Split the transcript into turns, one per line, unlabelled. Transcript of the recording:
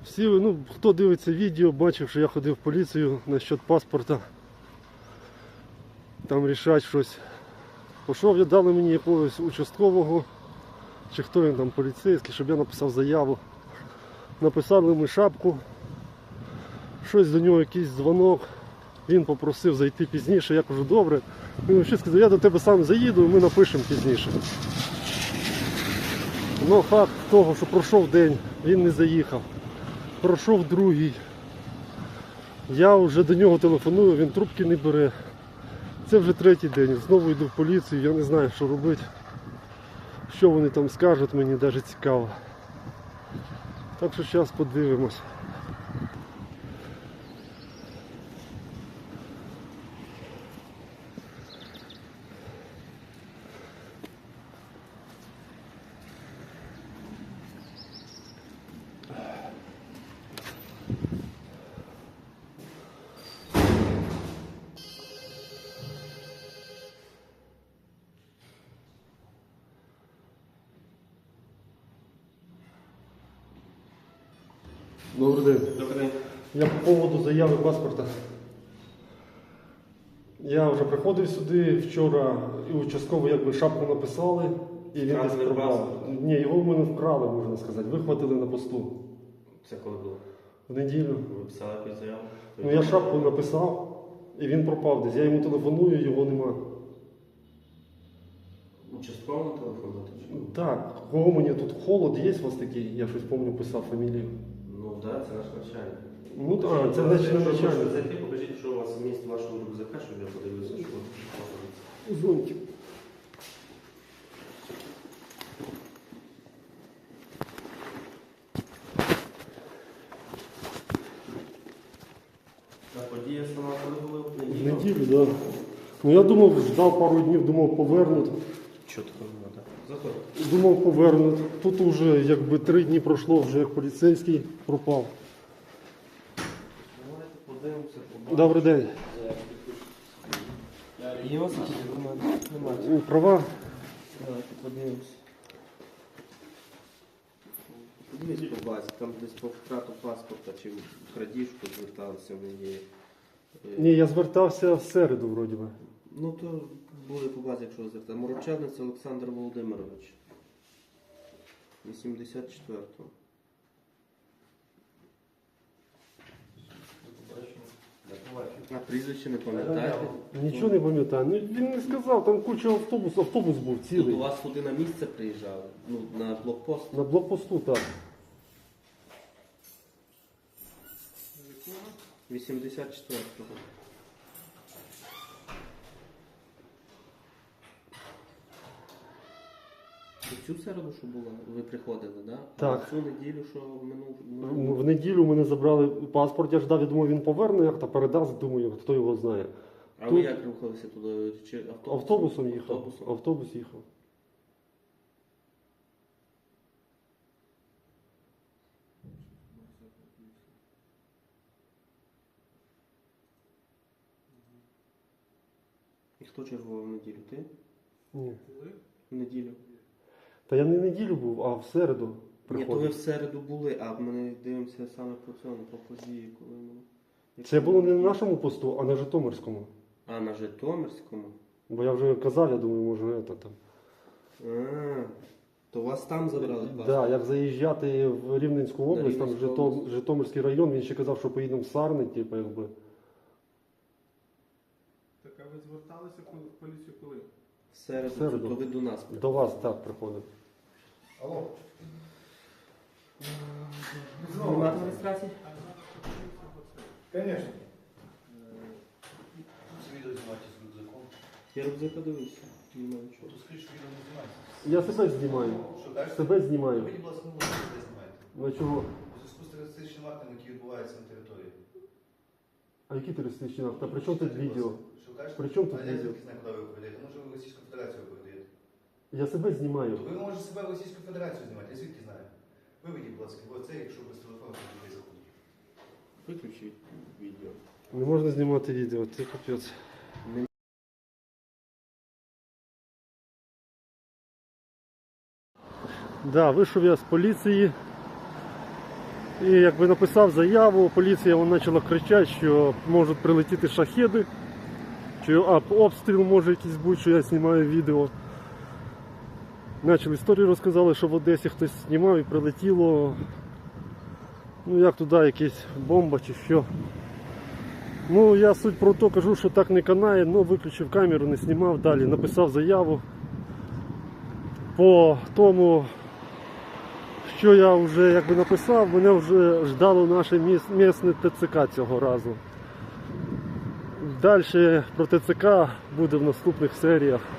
Всі, ну, хто дивиться відео, бачив, що я ходив в поліцію насчет паспорта. Там рішать щось. Пішов, я дали мені якогось участкового, чи хто він там, поліцейський, щоб я написав заяву. Написали ми шапку, щось до нього, якийсь дзвонок. Він попросив зайти пізніше, я кажу, добре. Він ще сказав, я до тебе сам заїду і ми напишемо пізніше. Ну, факт того, що пройшов день, він не заїхав. Пройшов другий. Я вже до нього телефоную, він трубки не бере. Це вже третій день. Знову йду в поліцію, я не знаю, що робити. Що вони там скажуть, мені навіть цікаво. Так що зараз подивимось. Добрий день.
Добрий день.
Я по поводу заяви паспорта. Я вже приходив сюди вчора і участково якби шапку написали і він десь пропав. Ні, його в мене вкрали, можна сказати. Вихватили на посту.
Це коли було?
В неділю.
Ви писали якусь заяву?
Ну я шапку написав і він пропав десь. Я йому телефоную, його нема.
Участково на телефон дати?
Так, кого мені тут холод є у вас такий? Я щось пам'ятаю, писав фамілію.
Ну так, да, це наш начальник.
Ну так, це значить не
Якщо
начальник.
зайти, покажіть, що у вас вміст вашого рюкзака, щоб я подивився, що ви.
Зонтик.
Та подія сама коли була в
В
неділю?
неділю, так. Да. Ну я думав, ждав пару днів, думав повернуть.
Що такого не треба? Заходь.
Думав повернуть. Тут вже якби 3 дні пройшло, вже як поліцейський пропав.
Давайте подивимося, побачимо.
Добрий день.
Є у вас якісь документи? Немає.
Права?
Давайте подивимося. Подивіться по базі, там десь по втрату паспорта чи в крадіжку зверталися мені.
Ні, я звертався в середу, вроді би.
Ну то буде по базі, якщо ви звертаєте. Морочанець Олександр Володимирович. 84-го. А прізвище не пам'ятаєте?
Нічого не пам'ятаю. Ну він не сказав, там куча автобус був
Тут
цілий.
у вас туди на місце приїжджали? Ну, на блокпост?
На блокпосту, так.
84-го. Цю середу, що була, ви приходили, да?
Так.
А цю неділю, що минув...
В неділю мене забрали паспорт, я ждав, я думав, він поверне, як то передасть, думаю, хто його знає.
А
Тут-
ви як рухалися туди? Чи
Автобусом їхав.
Автобусом?
Автобус їхав.
І хто чергував в неділю? Ти?
Ні.
В неділю?
Та я не в неділю був, а в середу
Ні, то ви
приходив.
в середу були, а ми дивимося саме по цьому, по події, коли ми...
Це було не на нашому посту, а на Житомирському.
А, на Житомирському?
Бо я вже казав, я думаю, може це там.
А, то вас там забрали паспорт?
Да, як заїжджати в Рівненську область, там
Рівненську область.
Житомирський район, він ще казав, що поїдемо в Сарни, типу, якби.
Так, а ви зверталися в поліцію коли?
В середу,
В середу.
то ви до нас
До вас так приходив.
Алло.
Нема адміністрації?
Конечно.
Відео знімати з рюкзаком.
Я рюкзака дивився, немає нічого.
То скажіть, що відео не знімається.
Я себе знімаю.
Що кажете?
Себе знімаю.
Ви, будь ласка, не можете де знімаєте.
Ну чого?
У зв'язку з терористичним актом, який відбувається на території.
А які терористичні акти? При чому тут відео?
Що кажете?
При чому тут
А я
відео?
звідки знаю, куди ви передаєте? Може, ви в Російську Федерацію передаєте?
Я себе знімаю.
То ви можете себе в Російську Федерацію знімати, я звідки знаю. Виведіть, будь ласка, оце, якщо без телефону не заходить.
Виключіть відео.
Не можна знімати відео, це капець. Да, вийшов я з поліції. І якби написав заяву, поліція вона почала кричати, що можуть прилетіти шахеди, що обстріл може якийсь бути, що я знімаю відео. Почали історію, розказали, що в Одесі хтось знімав і прилетіло, ну як туди якась бомба чи що. Ну я суть про то кажу, що так не канає, ну виключив камеру, не знімав далі, написав заяву по тому, що я вже якби написав, мене вже ждало наше місне ТЦК цього разу. Далі про ТЦК буде в наступних серіях.